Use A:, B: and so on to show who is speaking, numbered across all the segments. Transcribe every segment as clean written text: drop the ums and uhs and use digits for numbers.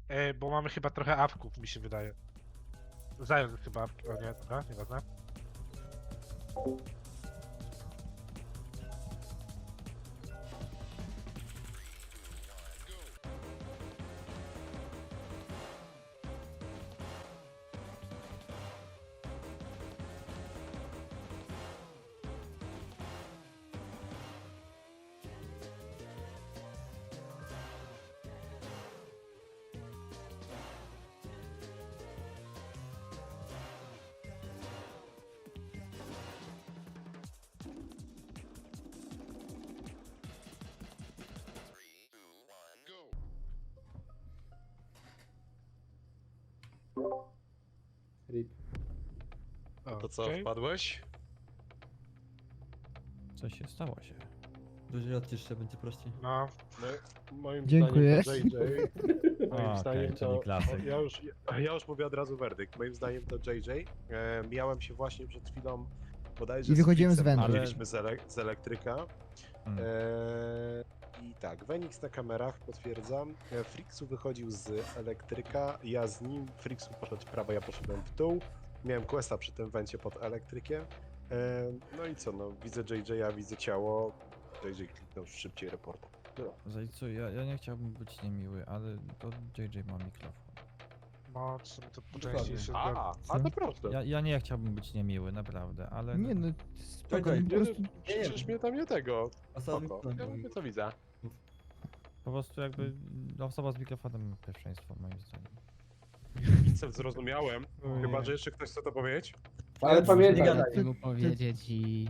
A: Bo mamy chyba trochę awków, mi się wydaje. Zając chyba awki, o nie, dobra, nieważne.
B: Rip.
C: To co,
A: Okej.
C: wpadłeś?
D: Co się stało się?
E: Dużo odcisz się, będzie prościej.
A: No,
C: No, moim
F: Dziękuję.
C: zdaniem to JJ. Moim
D: Okej,
C: zdaniem
D: czyli
C: to...
D: klasyk.
C: Ja już mówię od razu werdykt. Moim zdaniem to JJ. Miałem się właśnie przed chwilą bodajże
F: I wychodziłem z
C: Fritzem,
F: wentu.
C: mieliśmy z elektryka.
D: Hmm.
C: I tak, Wenix na kamerach, potwierdzam. Frixu wychodził z elektryka, ja z nim, Frixu poszedł w prawo, ja poszedłem w dół. Miałem questa przy tym wencie pod elektrykiem. No i co, no widzę JJ-a, widzę ciało. JJ kliknął szybciej report.
D: Zajcu, ja nie chciałbym być niemiły, ale to JJ ma mikrofon.
A: no, w sumie to po
E: Dokładnie.
A: części się zgadza.
C: A to proste.
D: Ja nie chciałbym być niemiły, naprawdę, ale...
F: Nie no, spokojnie,
E: Czekaj,
F: po prostu...
C: Przecież mnie tam nie tego.
E: Osoby,
C: Spoko. Ja mówię co widzę.
D: Po prostu jakby osoba z mikrofonem ma pierwszeństwo, moim zdaniem.
C: Widzę, zrozumiałem. Chyba, że jeszcze ktoś chce to powiedzieć?
B: Ale
E: nie
B: pamiętaj,
E: gadaj.
G: mu powiedzieć i...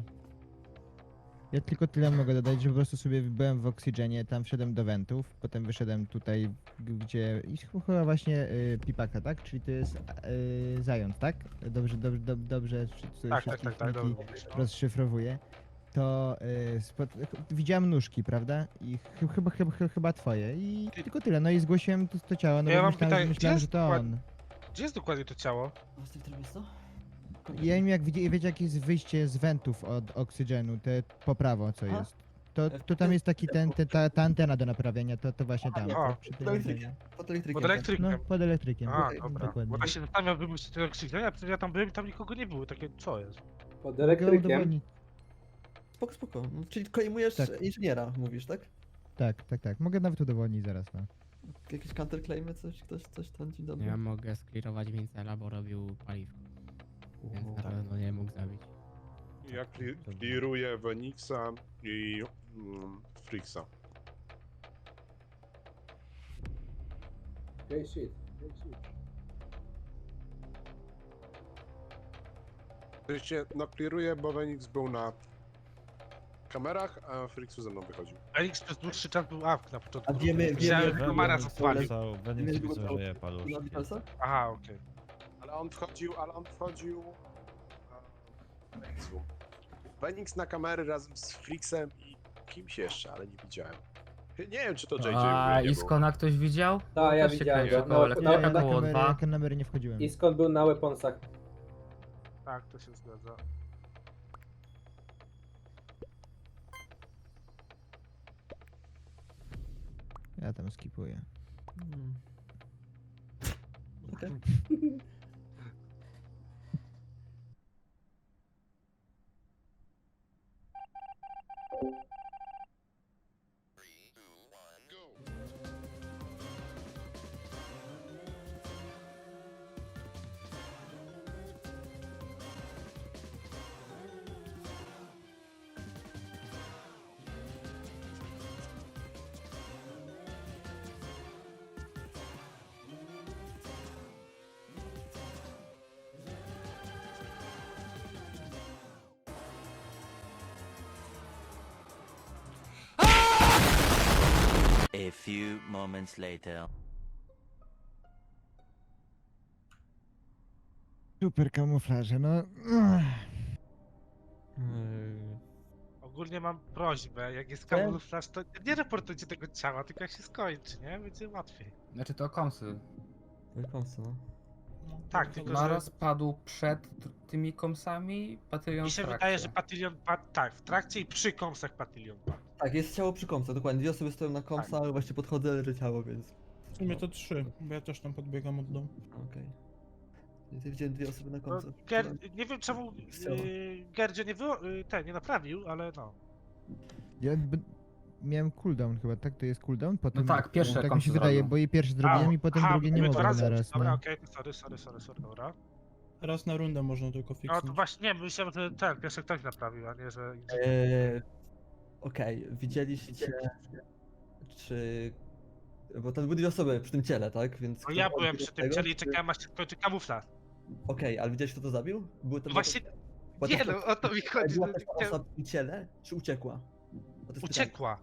F: Ja tylko tyle mogę dodać, że po prostu sobie byłem w Oxygenie, tam wszedłem do wentów, potem wyszedłem tutaj, gdzie... I chyba właśnie Pipaka, tak? Czyli to jest Zając, tak? Dobrze
A: Tak,
F: wszystkich
A: tak,
F: niki
A: dobra.
F: rozszyfrowuję. To widziałem nóżki, prawda? I chyba twoje. I tylko tyle. No i zgłosiłem to ciało, no
A: Ja
F: bo
A: mam
F: myślałem,
A: pytanie,
F: myślałem
A: gdzie
F: że to
A: jest
F: on.
A: Gdzie jest dokładnie to ciało?
E: A z tym trybie co?
F: Ja nie wiem, jak wiecie, jakie jest wyjście z wentów od oksygenu, te po prawo co
E: Aha.
F: jest. To tam jest taki ta antena do naprawienia, to właśnie tam.
A: A,
F: to przy tym
E: Pod elektrykiem.
F: antenie.
E: Pod elektrykiem.
A: Pod
E: tak.
A: elektrykiem.
F: No, pod elektrykiem.
A: A, dobra.
F: Dokładnie.
A: Bo ja się zastanawiam, bym się tego krzyknął, ja tam byłem i tam nikogo nie było, takie co jest?
B: pod
F: Mogę
B: elektrykiem.
F: udowodnić.
E: Spoko. No, czyli klejmujesz
F: Tak.
E: inżyniera, mówisz, tak?
F: Tak. Mogę nawet udowodnić zaraz, no.
E: Jakieś counterclaimy, coś tam ci dobry?
G: Ja mogę sklirować Vincela, bo robił paliwko. Więc na pewno nie mógł zabić.
C: Ja clearuję Wenixa i Frixa.
B: Okay, shit.
C: Oczywiście, no clearuję, bo Wenix był na kamerach, a Frixu ze mną wychodził.
A: Elix przez dłuższy czas był awk na początku.
E: A wiemy,
A: Widziałem,
E: wiemy,
A: że Komara
E: wiemy,
A: zapalił.
D: Wenix
E: Wiemy,
D: widzę,
E: że
D: że je
E: Na
D: paluszki.
E: Vitalsa?
A: Aha, okej.
C: Ale on wchodził Wenixu. Wenix na kamery razem z Frixem i kimś jeszcze, ale nie widziałem. Nie wiem, czy to JJ
G: A
C: nie był.
G: Iskona ktoś widział?
B: Tak, ja
G: Też się
B: widziałem
G: kręcił
B: go.
G: koło
B: No,
G: elektryka,
B: na
G: koło dwa.
F: kamery nie wchodziłem.
B: I skąd był na weaponsach?
A: Tak, to się zgadza.
F: Ja tam skipuję.
E: Hmm. Okej.
H: A few moments later.
F: Super kamuflaże, no.
A: Ogólnie mam prośbę, jak jest kamuflaż, to nie reportujcie tego ciała, tylko jak się skończy, nie? Będzie łatwiej.
G: Znaczy to komsy.
E: Komsy, no.
A: Tak, tylko że
G: Maros padł przed tymi komsami, Batylion
A: mi się
G: w trakcie.
A: wydaje, że Patylion padł, tak, w trakcie i przy kąsach Patylion padł.
E: Tak, jest ciało przy komsach, dokładnie. Dwie osoby stoją na komsach, ale właśnie podchodzę, leży ciało, więc...
I: W sumie to 3, bo ja też tam podbiegam od domu.
E: Okej. Ja widziałem 2 osoby na
A: No,
E: końcu.
A: nie wiem czemu
E: Strzała.
A: Gerdzie nie naprawił, ale no.
F: Ja miałem cooldown chyba, tak? To jest cooldown? Potem,
J: tak, pierwsze
F: tak mi
J: komsy
F: się wydaje,
J: zrobił.
F: bo i pierwszy zrobiłem i potem drugie nie
A: były dwa
F: mogłem
A: razy.
F: naraz.
A: Dobra,
F: No.
A: okej, sorry, dobra.
I: Raz na rundę można tylko
A: No
I: fiksnąć.
A: to właśnie, nie, myślałem, że ten pierwszy ktoś naprawił, a nie, że...
E: Okej, widzieliście, czy... Bo tam były 2 osoby przy tym ciele, tak? Więc
A: No
E: kto
A: ja
E: odbiegł
A: byłem
E: od
A: przy tym
E: tego,
A: ciele i
E: czy-
A: czekałem aż się skończy kamuflaż.
E: Okej, ale widziałeś kto to zabił? Były to
A: No właśnie,
E: była
A: nie
E: też-
A: no, o to mi chodzi,
E: Była
A: że
E: też ta
A: chciałem-
E: osoba przy ciele, czy uciekła? Bo to jest pytanie.
A: uciekła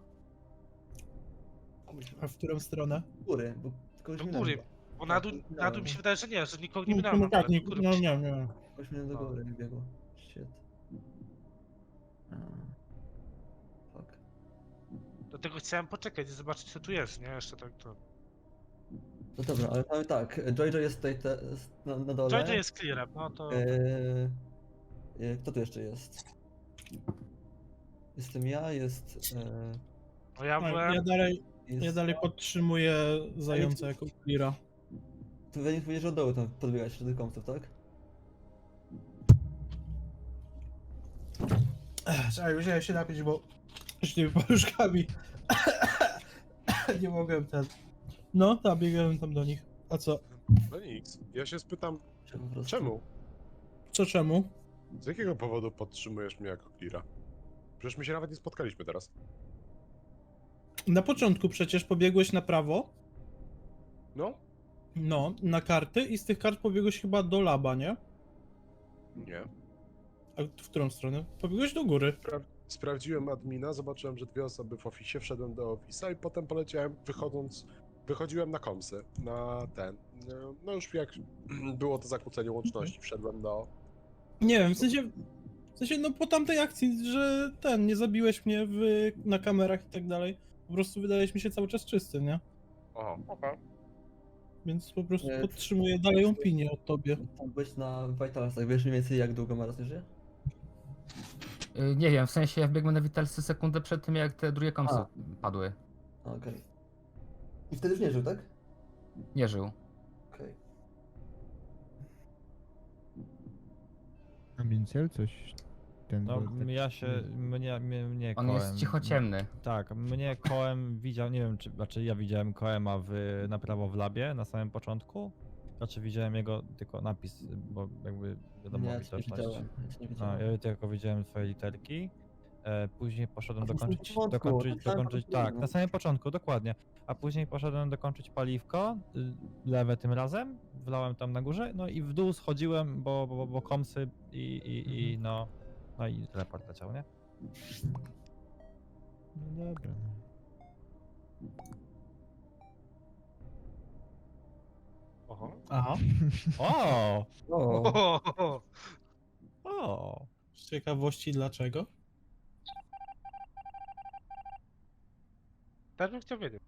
I: A w którą stronę?
E: Do góry, bo kogoś
A: do
E: minąłem.
A: góry, bo na dół mi się wydaje, że nie, że nikogo nie
I: No,
A: minąłem.
I: no tak,
A: ale
I: nie,
A: do góry
I: no
A: mi się-
I: nie.
E: Kogoś minąłem do
A: No.
E: góry, nie biegło. Shit. A. Fuck.
A: Dlatego chciałem poczekać i zobaczyć co tu jest, nie? Jeszcze tak to...
E: No dobra, ale mamy tak, Jojo jest tutaj na dole.
A: Jojo jest clearem, no to...
E: Kto tu jeszcze jest? Jestem ja, jest...
A: No ja
I: No,
A: byłem...
E: jest...
I: ja dalej podtrzymuję zająca jako cleara.
E: Tu Wenik powiedział, że od dołu tam podbiegać do tych kompsów, tak?
I: Czekaj, musiałem się napić, bo z tymi paluszkami nie mogłem ten... No, tak, biegałem tam do nich. A co?
C: No nic. Ja się spytam,
E: Czy po prostu...
C: czemu?
I: Co czemu?
C: Z jakiego powodu podtrzymujesz mnie jako cleara? Przecież my się nawet nie spotkaliśmy teraz.
I: Na początku przecież pobiegłeś na prawo,
C: No?
I: no, na karty i z tych kart pobiegłeś chyba do laba, nie?
C: Nie.
I: A w którą stronę? Pobiegłeś do góry.
C: Sprawdziłem admina, zobaczyłem, że 2 osoby w ofisie, wszedłem do ofisa i potem poleciałem, wychodziłem na komsy, na ten. No już jak było to zakłócenie łączności, wszedłem do...
I: Nie wiem, w sensie, no po tamtej akcji, że nie zabiłeś mnie na kamerach i tak dalej. Po prostu wydałeś mi się cały czas czysty, nie?
C: Aha, okej.
I: Więc po prostu
E: Nie.
I: podtrzymuję dalej opinię o tobie.
E: Tam byłeś na Vitalsach, wiesz mniej więcej jak długo Maras nie żyje?
J: Nie wiem, w sensie ja wbiegłem na Vitalsy sekundę przed tym, jak te drugie komsy
E: A.
J: padły.
E: Okej. I wtedy już nie żył, tak?
J: Nie żył.
E: Okej.
F: A Mincel coś... Ten
D: No,
F: był tak-
D: ja się, mnie
J: On
D: kołem.
J: jest cichociemny.
D: Tak, mnie kołem widział, nie wiem, znaczy ja widziałem koema na prawo w labie na samym początku. Znaczy widziałem jego tylko napis, bo jakby wiadomo,
E: Nie, ja cię nie
D: widoczność.
E: widziałem. Ja cię nie
D: A,
E: widziałem.
D: ja tylko widziałem twoje literki. Później poszedłem
E: A to już na
D: dokończyć,
E: początku, na samym początku,
D: tak,
E: no.
D: na samym początku, dokładnie. A później poszedłem dokończyć paliwko, lewe tym razem, wlałem tam na górze, no i w dół schodziłem, bo komsy i no i teleport leciał, nie?
F: No dobra.
A: Oho.
I: Aha.
D: O!
E: O,
D: O!
I: Z ciekawości dlaczego?
A: Też bym chciał wiedzieć.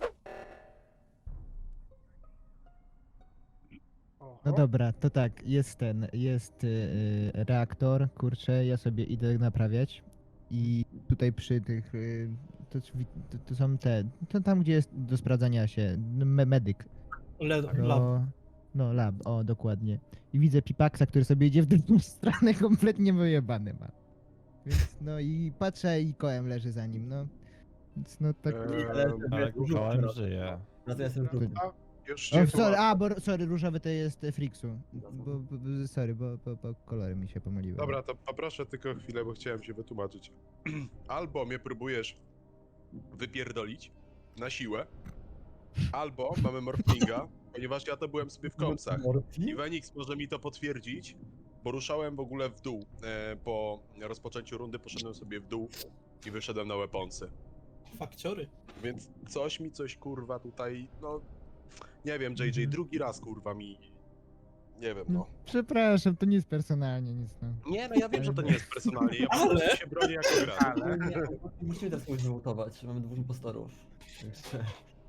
A: Oho.
F: No dobra, to tak, jest reaktor, kurczę, ja sobie idę naprawiać i tutaj przy tych, to są to tam gdzie jest do sprawdzania się, medyk,
I: Lab.
F: no lab, o dokładnie. I widzę Pipaksa, który sobie idzie w drugą stronę, kompletnie wyjebany ma. Więc no i patrzę i kołem leży za nim, no. Więc no tak...
D: Ale
E: Dużo
D: kołem
E: teraz.
D: żyje.
E: natomiast ten drugi.
C: Już
F: O,
C: się
F: sorry, sorry, różowy to jest Friksu. Sorry, bo kolory mi się pomyliły.
C: Dobra, to poproszę tylko chwilę, bo chciałem się wytłumaczyć. Albo mnie próbujesz wypierdolić na siłę, albo mamy morflinga, ponieważ ja to byłem sobie w komsach. I Wenix może mi to potwierdzić, bo ruszałem w ogóle w dół. Po rozpoczęciu rundy poszedłem sobie w dół i wyszedłem na weaponsy.
I: Fakciory.
C: Więc coś kurwa tutaj, no... Nie wiem, JJ, drugi raz kurwa mi... Nie wiem, no.
F: Przepraszam, to nie jest personalnie nic, no.
C: Nie, no ja wiem, że to nie jest personalnie, ja po prostu się bronię jako gracz.
A: Ale...
E: Nie, musimy teraz kogoś wymutować, mamy 2 impostorów. Jeszcze.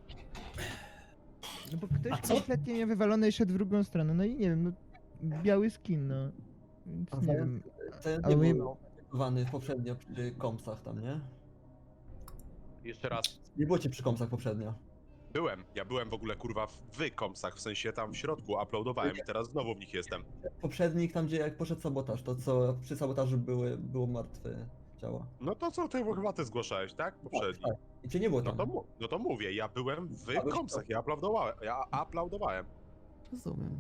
F: No bo ktoś kompletnie mnie wywalony i szedł w drugą stronę, no i nie wiem, no biały skin, no. Więc
E: A
F: nie wiem.
E: Zając
F: Ale
E: nie
F: my-
E: był aktywowany poprzednio przy kompsach tam, nie?
C: Jeszcze raz.
E: Nie było cię przy kompsach poprzednio.
C: Ja byłem w ogóle kurwa w komsach, w sensie tam w środku uploadowałem i teraz znowu w nich jestem.
E: Poprzednik, tam gdzie jak poszedł sabotaż, to co przy sabotażu było martwe ciało.
C: No to co, ty chyba ty zgłaszałeś, tak? Poprzedni.
E: Tak. I cię nie było
C: No
E: tam.
C: to mówię, ja byłem w
E: byłeś
C: komsach, ja uploadowałem.
E: Rozumiem.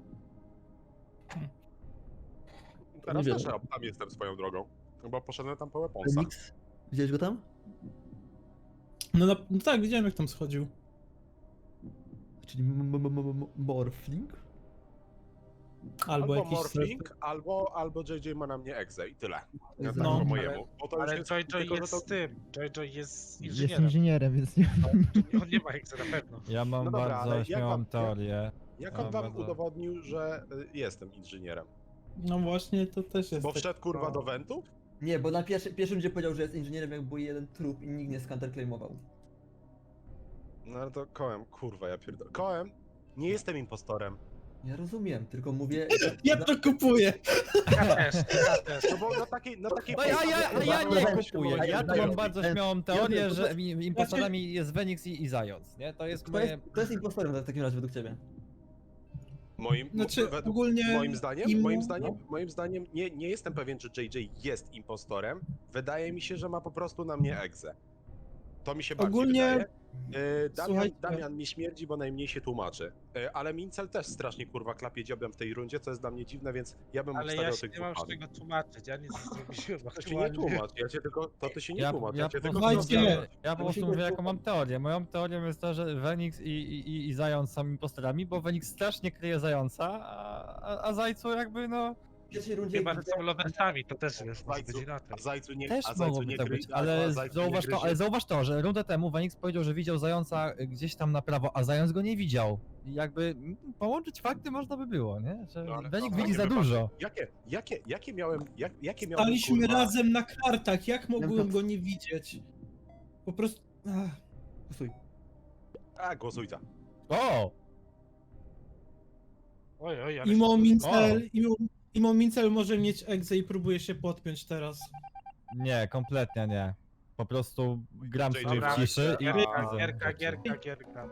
C: Teraz
E: Nie
C: też
E: wiem.
C: tam jestem swoją drogą, bo poszedłem tam po weaponsach.
E: Remix? Widziałeś go tam?
I: No tak, widziałem jak tam schodził.
E: Czyli Morphling?
I: Albo jakiś
C: Morphling, albo JJ ma na mnie egzę i tyle. Ja tak
I: No.
C: po mojemu. Bo to już
A: Ale
C: jest,
A: Joy
C: tylko, że
A: jest
C: to...
A: z tym. Joy jest
F: Jest
A: inżynierem.
F: inżynierem, więc nie
A: On nie ma jak na pewno.
D: Ja mam
C: No dobra, ale
D: bardzo
C: jak
D: śmiałą
C: wam-
D: teorię.
C: Jak on
D: A,
C: wam
D: bardzo.
C: udowodnił, że jestem inżynierem?
I: No właśnie, to też jest
C: Bo
I: tak-
C: wszedł kurwa do wentów?
E: Nie, bo na pierwszym gdzie powiedział, że jest inżynierem, jak był jeden trup i nikt nie scounterclaimował.
C: No ale to kołem, kurwa ja pierdolę. Kołem, nie jestem impostorem.
E: Ja rozumiem, tylko mówię...
I: Ja to kupuję!
A: Ja też.
C: No bo na takiej
D: No
C: podstawie-
D: ja nie
E: Zając,
D: kupuję. Ja tu
E: zając.
D: mam bardzo śmiałą
E: Ja
D: teorię,
E: wiem,
D: że impostorami jest Wenix i Zając, nie? To jest
E: Kto
D: moje...
E: jest, kto jest impostorem w takim razie według ciebie?
I: Znaczy,
C: według-
I: ogólnie
C: moim zdaniem nie jestem pewien, czy JJ jest impostorem. Wydaje mi się, że ma po prostu na mnie egzę. To mi się bardziej
I: Ogólnie-
C: wydaje.
I: Słuchajcie.
C: Damian mi śmierdzi, bo najmniej się tłumaczy. Ale Mincel też strasznie kurwa klapie dziobem w tej rundzie, co jest dla mnie dziwne, więc ja bym
A: Ale
C: obstawiał
A: ja się
C: tych
A: nie mam z
C: dwóch.
A: czego tłumaczyć, ja nic nie zrobiłem
C: To się nie
A: aktualnie.
C: tłumacz, ja cię tylko, to ty się nie tłumacz, ja
D: Ja
C: cię
D: po
C: tylko
D: prostu
I: Słuchajcie.
D: mówię, ja po prostu
E: Musimy
D: mówię, jaką
E: tu-
D: mam teorię. Moją teorią jest to, że Wenix i Zając są impostorami, bo Wenix strasznie kryje Zająca, a Zajcu jakby no...
E: W pierwszej rundzie...
A: Chyba, że są loversami, to też jest, może
C: Zajcu,
A: być inaczej.
C: a Zajcu nie,
D: Też
C: a Zajcu
D: mogłoby
C: nie
D: tak
C: gry,
D: być,
C: a
D: ale
C: Zajcu nie
D: zauważ to, że rundę temu Wenix powiedział, że widział Zająca gdzieś tam na prawo, a Zając go nie widział. I jakby połączyć fakty można by było, nie? Że
C: No, ale
D: Wenix
C: to-
D: widzi za
C: jakie
D: dużo.
C: Jakie miałem, jakie miałem
I: Staliśmy
C: kurwa...
I: razem na kartach, jak mogłem
E: Dobra.
I: go nie widzieć? Po prostu... Ach.
E: Głosuj.
C: A, głosujcie.
D: O!
A: Oj, oj, ale
I: Imo Mincel może mieć egzę i próbuje się podpiąć teraz.
D: Nie, kompletnie nie. Po prostu gram
C: JJ,
D: sobie w
C: dobra,
D: ciszy i...
A: Gierka.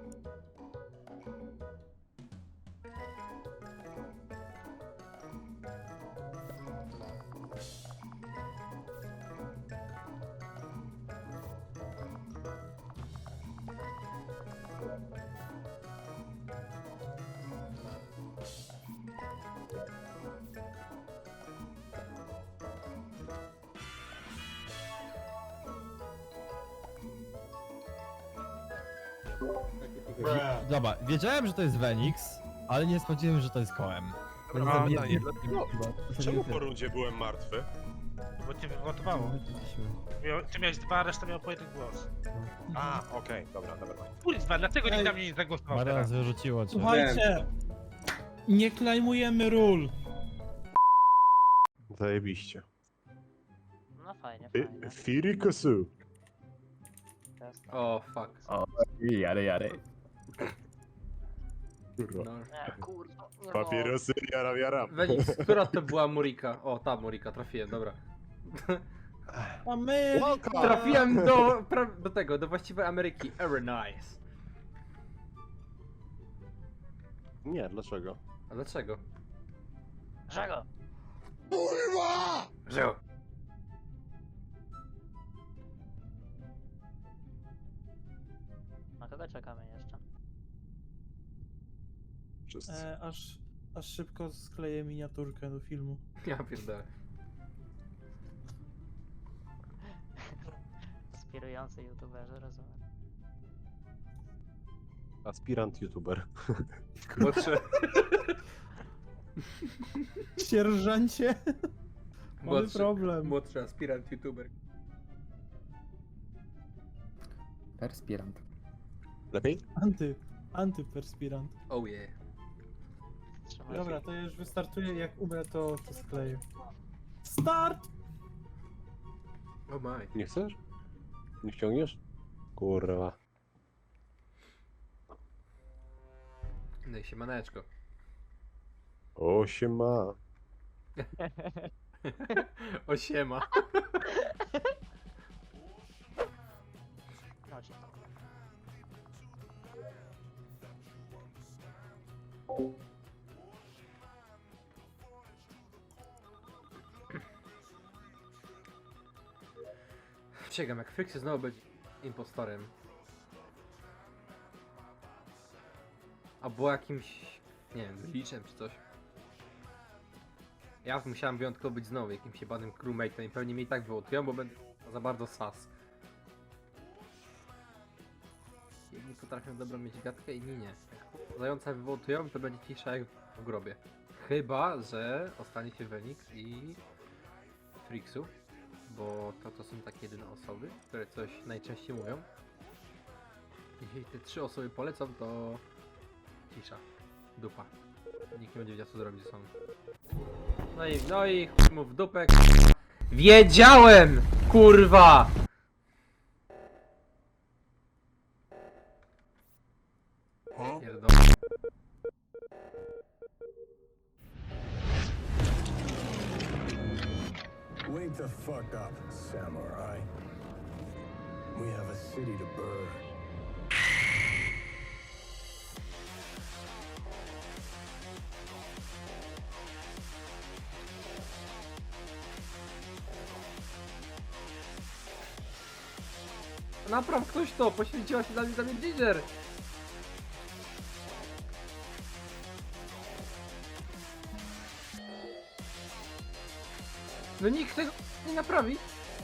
D: Dobra, wiedziałem, że to jest Wenix, ale nie spodziewałem się, że to jest Koem.
C: A,
E: Nie,
C: Daniel,
E: nie,
C: dlaczego? Czemu po rundzie byłem martwy?
A: Bo cię wywotowało. Ty miałeś 2, a reszta miał po 1 głos.
C: A, okej, dobra.
A: Kurwa, dlaczego nikt
I: Ej.
A: na mnie nie zagłosował
D: Marian
A: teraz?
D: wyrzuciło cię.
I: Słuchajcie! Nie klejmujemy ról.
C: Zajebiście.
K: No fajnie,
C: Fi-
K: fajnie.
C: Firikosu.
K: Jasne.
L: O, fuck.
J: Jary.
C: Kurwa.
L: No.
K: Nie, kurwa. no.
C: Papierosy, jaram.
L: Wenix, która to była Murika? O, ta Murika, trafiłem, dobra.
I: A my...
L: Trafiłem do tego, do właściwej Ameryki. Very nice.
C: Nie, dlaczego?
L: A dlaczego?
K: Czego?
L: Że...
K: Na kogo czekamy jeszcze?
C: Wszyscy.
I: Aż szybko skleję miniaturkę do filmu.
L: Ja pierdolę.
K: Inspirujący youtuberzy, rozumiem.
C: Aspirant youtuber.
L: Młodszy,
I: Sierżancie! Mamy
L: młodszy,
I: problem.
L: młodszy aspirant youtuber.
J: Perspirant.
C: Lepiej?
I: Antyperspirant.
L: Oh yeah.
K: Trzymaj
I: Dobra,
K: się.
I: to już wystartuje, jak umrę to skleję. Start!
L: Oh my.
C: Nie chcesz? Nie ściągniesz? Kurwa.
L: No i siemaneczko.
C: O, siema.
L: O siema.
K: Chodź.
L: Przysięgam, jak Frixy znowu będzie impostorem. Albo jakimś, nie wiem, glitchem czy coś. Ja musiałem wyjątkowo być znowu jakimś jebanym crewmate'em i pewnie mnie i tak wyłotują, bo będę za bardzo sas. Jedni potrafią dobrą mieć gadkę, inni nie. Jak zająca wywołtują, to będzie cisza jak w grobie. Chyba, że ostanie się Wenix i Frixu, bo to są takie jedyne osoby, które coś najczęściej mówią. Jeśli te 3 osoby polecą, to cisza. Dupa. Nikt nie będzie wiedział, co zrobić ze sobą. No i chuj mu w dupę. Wiedziałem! Kurwa! Pierdolę.
M: Wake the fuck up, samurai. We have a city to burn.
L: Napraw ktoś to! Poświęciła się dla mnie Ginger! No nikt tego nie naprawi!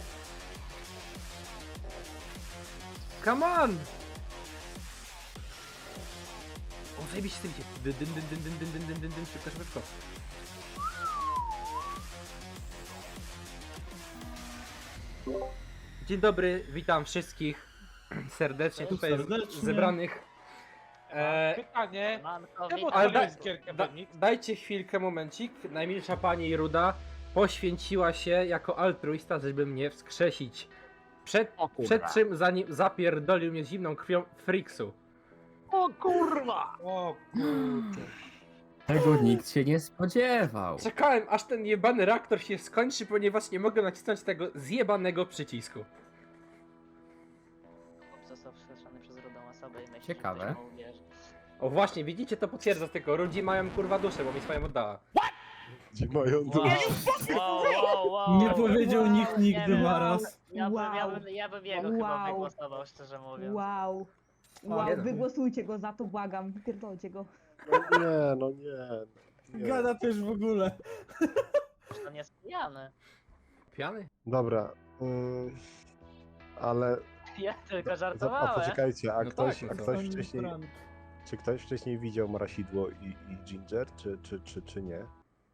L: Come on! O, zajebiście z tym idzie. Dyn, szybko, szybko. Dzień dobry, witam wszystkich serdecznie tutaj
I: Serdecznie.
L: zebranych.
A: Pytanie,
K: Manko,
A: czemu
K: witam.
L: ale
A: odpaliłeś gierkę Wenix?
L: Dajcie chwilkę, momencik. Najmilsza pani Ruda poświęciła się jako altruista, żeby mnie wskrzesić. Przed czym zanim zapierdolił mnie zimną krwią Frixu.
K: O kurwa!
A: O kurde.
J: Tego nikt się nie spodziewał.
L: Czekałem aż ten jebany reaktor się skończy, ponieważ nie mogę nacisnąć tego zjebanego przycisku.
K: Został wskrzeszony przez rudą osobę i myśli,
J: Ciekawe.
K: że ktoś mu uwierzy.
L: O właśnie, widzicie, to potwierdza tylko. Rudzi mają kurwa duszę, bo mi swoją oddała.
C: Gdzie mają duszę?
I: Nie powiedział nikt
K: nie
I: nigdy
K: wiem.
I: Maras.
K: Ja bym jego chyba wygłosował, szczerze mówiąc.
N: Wow.
L: Nie
N: Wow,
L: no.
N: wygłosujcie go za to, błagam. Wypierdolcie go.
C: No nie.
I: Gada też w ogóle.
K: To nie jest pijany.
L: Piany?
C: Dobra, ale
K: Ja tylko
C: a
K: żartowałem.
C: poczekajcie,
L: No tak, no co?
C: wcześniej, czy ktoś wcześniej widział Marasidło i Ginger, czy nie?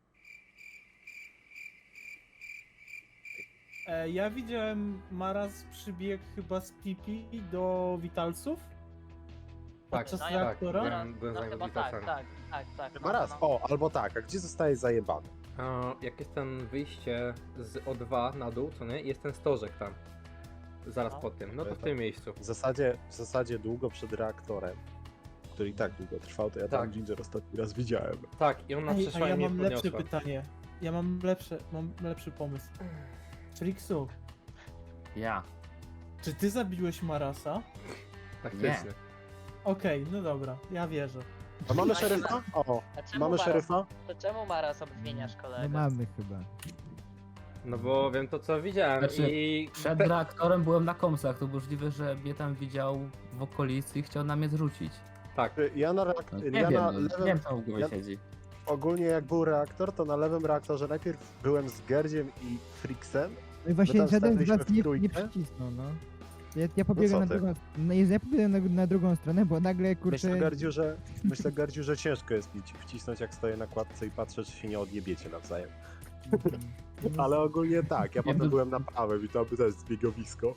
I: Ja widziałem Maras przybiegł chyba z Pipi do Witalsów.
L: Tak,
I: Podczas
K: tak,
I: reaktora?
L: byłem
K: No
L: za
K: chyba
L: Witalsem.
K: tak.
C: Maraz, o, albo tak, a gdzie zostaje zajebany?
L: Jak jest ten wyjście z O2 na dół, co nie? Jest ten stożek tam. Zaraz
K: No.
L: po tym, no to w tym miejscu.
C: W zasadzie długo przed reaktorem, który i tak długo trwał, to ja tam
L: Tak.
C: Ginger ostatni raz widziałem.
L: Tak, i ona
I: Ej,
L: przeszła
I: a ja
L: i mnie
I: mam lepsze
L: podniosła.
I: pytanie. Ja mam lepszy pomysł. Frixu,
J: Ja.
I: czy ty zabiłeś Marasa?
L: Faktycznie.
I: Okej, no dobra, ja wierzę.
C: A mamy szeryfa? O,
K: A czemu
C: mamy
K: Maras-
C: szeryfa?
K: To czemu Maras obwiniasz kolegę?
F: No mamy chyba.
L: No bo wiem to co widziałem
J: Znaczy,
L: i...
J: Przed reaktorem byłem na komsach, to możliwe, że mnie tam widział w okolicy i chciał na mnie zrzucić.
L: Tak.
C: Ja na,
J: No,
C: ja
J: nie
C: na
J: wiem, nie
C: lewym,
J: wiem co w głowie
C: ja-
J: siedzi.
C: ogólnie jak był reaktor, to na lewym reaktorze najpierw byłem z Gerdziem i Frixem.
F: No i właśnie
C: tam
F: żaden z
C: staliśmy
F: was
C: w
F: nie
C: trójkę.
F: przycisnął, no. Ja pobiegłem
C: co
F: na
C: ty?
F: drugą ja pobiegłem na drugą stronę, bo nagle kurczę.
C: Myślę Gerdziu, że ciężko jest mi ci wcisnąć, jak stoję na kładce i patrzę, czy się nie odjebiecie nawzajem. Ale ogólnie tak, ja potem byłem na prawym i to by też zbiegowisko.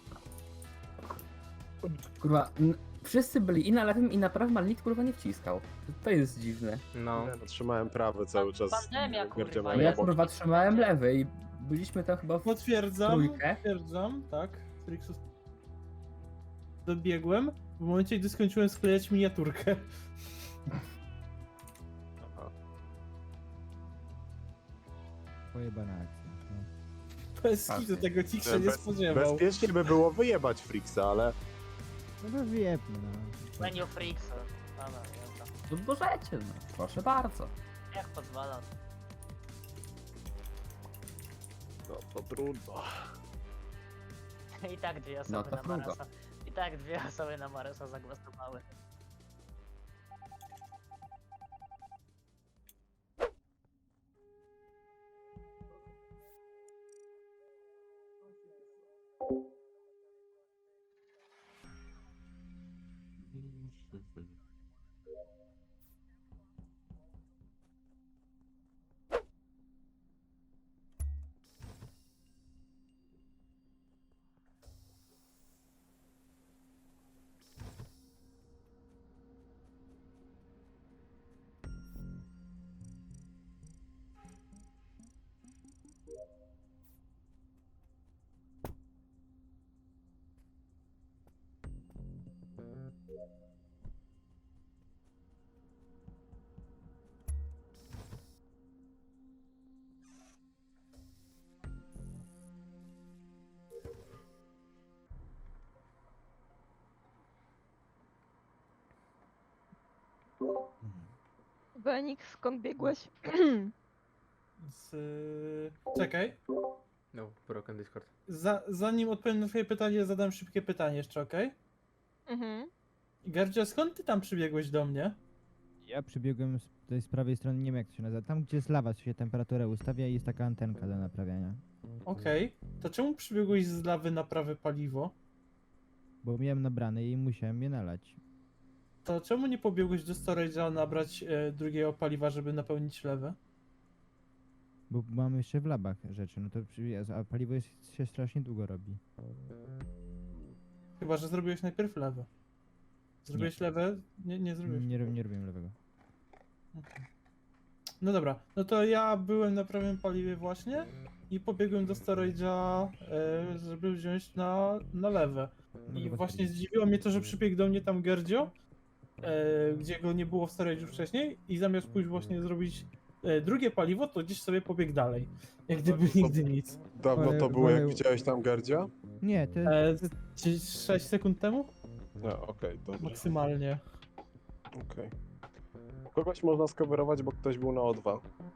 J: Kurwa, wszyscy byli i na lewym i na prawym, ale nikt kurwa nie wciskał. To jest dziwne.
L: No.
C: Trzymałem prawy cały czas.
K: Pandemia, kurwa,
C: Gerdzia
K: jest.
C: miałem
J: Ja
C: obok.
J: kurwa trzymałem lewy i byliśmy tam chyba w trójkę.
I: Potwierdzam, tak. Frixus. Dobiegłem w momencie, gdy skończyłem sklejać miniaturkę.
F: Pojebana akcja. No.
I: Bez kitu tego nikt się nie spodziewał.
C: Bezpiecznie by było wyjebać Frixa, ale
F: No to wyjebmy, no.
K: Menu Freaks. Dobra, jazda.
J: No możecie, no. Proszę bardzo.
K: Jak pozwala.
C: No to trudno.
K: I tak dwie
J: No
K: osoby
J: to
K: na
J: frugo.
K: Maresa. I tak dwie osoby na Maresa zagłosowały.
N: Benik, skąd biegłeś?
I: Czekaj.
L: No, broken Discord.
I: Zanim odpowiem na twoje pytanie, zadam szybkie pytanie jeszcze, okej?
N: Mhm.
I: Gardzio, skąd ty tam przybiegłeś do mnie?
F: Ja przybiegłem z prawej strony, nie wiem jak to się nazywa. Tam gdzie jest lawa, się temperaturę ustawia i jest taka antenka do naprawiania.
I: Okej. To czemu przybiegłeś z lawy na prawe paliwo?
F: Bo miałem nabrane i musiałem je nalać.
I: To czemu nie pobiegłeś do storage'a nabrać drugiego paliwa, żeby napełnić lewę?
F: Bo mam jeszcze w labach rzeczy, no to a paliwo się strasznie długo robi.
I: Chyba, że zrobiłeś najpierw lewę. Zrobiłeś lewę? Nie zrobiłeś.
F: Nie robiłem lewego.
I: No dobra, no to ja byłem na prawym paliwie właśnie i pobiegłem do storage'a, żeby wziąć na lewe. I
F: chyba
I: właśnie
F: tak.
I: zdziwiło mnie to, że przybiegł do mnie tam Gerdzio, gdzie go nie było w storage'u wcześniej i zamiast pójść właśnie zrobić drugie paliwo, to gdzieś sobie pobiegł dalej. Jak gdyby nigdy nic.
C: Dawno to było, jak widziałeś tam Gardzia?
F: Nie, to
I: Gdzieś 6 sekund temu?
C: No, okej, dobrze.
I: Maksymalnie.
C: Okej. Kogoś można skowerować, bo ktoś był na O2.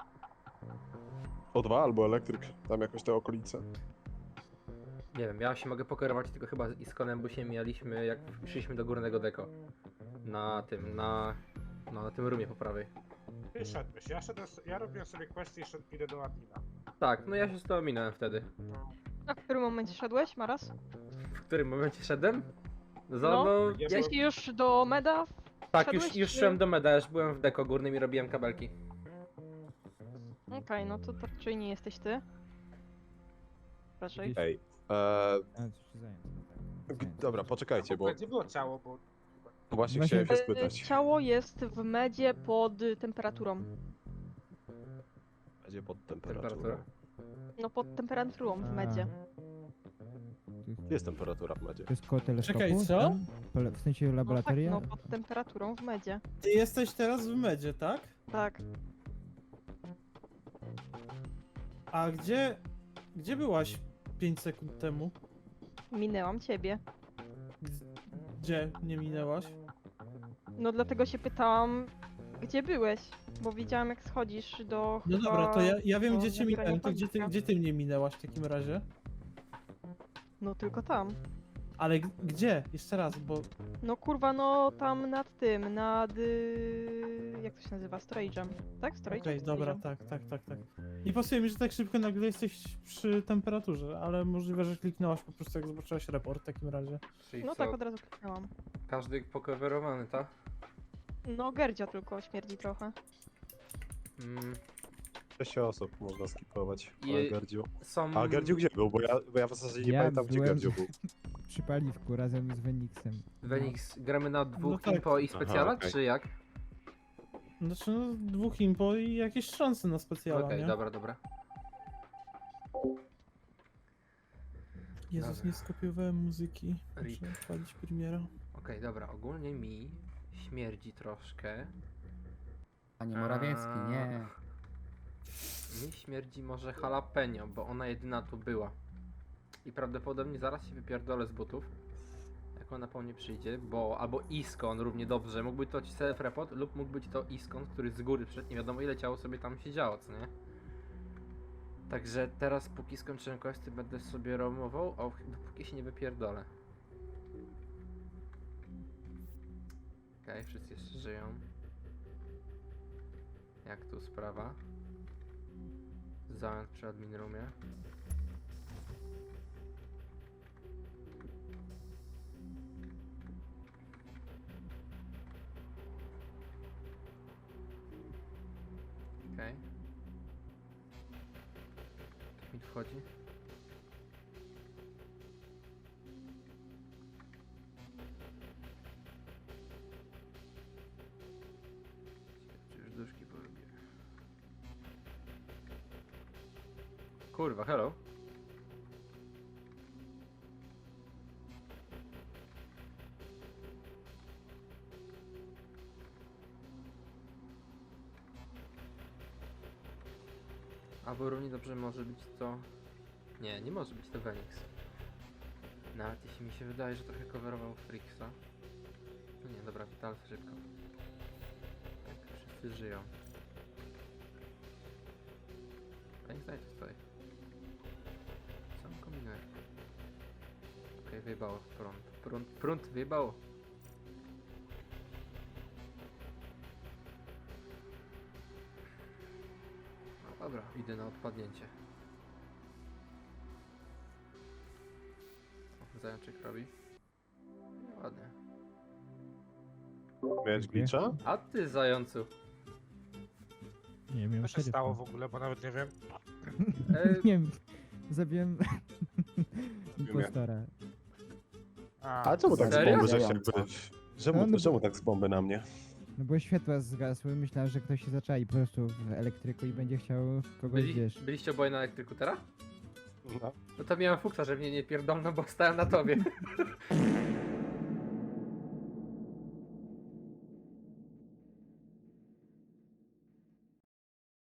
C: O2 albo elektryk, tam jakoś te okolice.
L: Nie wiem, ja się mogę pokierować tylko chyba z Iskonem, bo się mijaliśmy jak szliśmy do górnego deko. Na tym roomie po prawej.
A: Ty szedłeś, ja robiłem sobie questy i idę do admina.
L: Tak, no ja się z tobą minąłem wtedy.
N: A w którym momencie szedłeś, Maras?
L: W którym momencie szedłem?
N: No,
L: ja
N: jeśli już do meda
L: tak,
N: szedłeś,
L: już
N: czy-
L: szedłem do meda, już byłem w deko górnym i robiłem kabelki.
N: Okej, no to raczej nie jesteś ty. Raczej.
C: Ej, dobra, poczekajcie, bo
A: Gdzie było ciało, bo...
C: właśnie chciałem się spytać.
N: Ciało jest w medzie pod temperaturą.
C: Będzie pod temperaturą.
N: No pod temperaturą w medzie.
C: Gdzie jest temperatura w medzie?
F: To jest koło teleskopu?
I: Czekaj, co?
F: Tam? W sensie laboratoria?
N: No tak, no pod temperaturą w medzie.
I: Ty jesteś teraz w medzie, tak?
N: Tak.
I: A gdzie byłaś 5 sekund temu?
N: Minęłam ciebie.
I: Gdzie nie minęłaś?
N: No dlatego się pytałam, gdzie byłeś? Bo widziałam jak schodzisz do...
I: No
N: chyba
I: dobra, to ja wiem
N: do
I: gdzie cię
N: nabierania
I: minąłem, to
N: paliwa.
I: gdzie ty mnie minęłaś w takim razie?
N: No tylko tam.
I: Ale gdzie? Jeszcze raz, bo...
N: No kurwa, no tam nad tym, jak to się nazywa? Storage'em. Tak? Storage'em?
I: Okej, dobra,
N: Storage'em.
I: tak. Nie pasuje mi, że tak szybko nagle jesteś przy temperaturze, ale możliwe, że kliknęłaś po prostu jak zobaczyłaś raport w takim razie.
L: Czyli
N: No
L: co,
N: tak, od razu kliknęłam.
L: każdy pokowerowany, tak?
N: No Gerdzia tylko śmierdzi trochę.
C: 6 osób można skipować,
L: I-
C: ale Gardziu.
L: Są...
C: A Gardziu gdzie był? Bo ja w zasadzie nie pamiętam, gdzie
F: byłem
C: Gardziu był.
F: przy paliwku razem z Wenixem.
L: Wenix, gramy na dwóch
I: No tak.
L: impo i specjala,
C: Aha, okej.
L: czy jak?
I: Znaczy no, 2 impo i jakieś szanse na specjala,
L: Okej,
I: nie?
L: dobra.
I: Jezus,
L: Dobra.
I: nie skopiowałem muzyki.
L: Rip.
I: Muszę odpalić premiera.
L: Okej, dobra, ogólnie mi śmierdzi troszkę.
J: Panie Morawiecki, nie.
L: Mi śmierdzi może jalapeno, bo ona jedyna tu była. I prawdopodobnie zaraz się wypierdolę z butów. jak ona po mnie przyjdzie, bo albo Iskon równie dobrze, mógł być to self-report lub mógł być to Iskon, który z góry przed nie wiadomo ile ciało sobie tam siedziało, co nie? Także teraz póki skończyłem questy będę sobie roamował, dopóki się nie wypierdolę. Okej, wszyscy jeszcze żyją. Jak tu sprawa? Zając przy admin roomie. Okej. Jak mi tu wchodzi? Czy już duszki porobię? Kurwa, hello. Albo równie dobrze może być to... Nie, nie może być to Venix. Nawet jeśli mi się wydaje, że trochę coverował Frixa. No nie, dobra, Vital szybko. Tak, wszyscy żyją. Venix, daj tu stoi. Co on kombinuje? Okej, wyjebało prąd. Prąd wyjebało. No dobra, idę na odpadnięcie. O, zajączek robi. Ładnie.
C: Miałeś glitcha?
L: A ty, zającu.
F: Nie wiem,
A: Co się stało w ogóle, bo nawet nie wiem.
F: Nie wiem, zabiłem impostora.
C: A czemu tak z
L: Serio?
C: bomby, że się jakby...
F: No, no
C: Czemu tak z bomby na mnie?
F: No bo światła zgasły, myślałem, że ktoś się zaczai po prostu w elektryku i będzie chciał kogoś, wiesz...
L: Byliście oboje na elektryku teraz?
C: No.
L: No to miałem fuksa, że mnie nie pierdolno, bo stałem na tobie.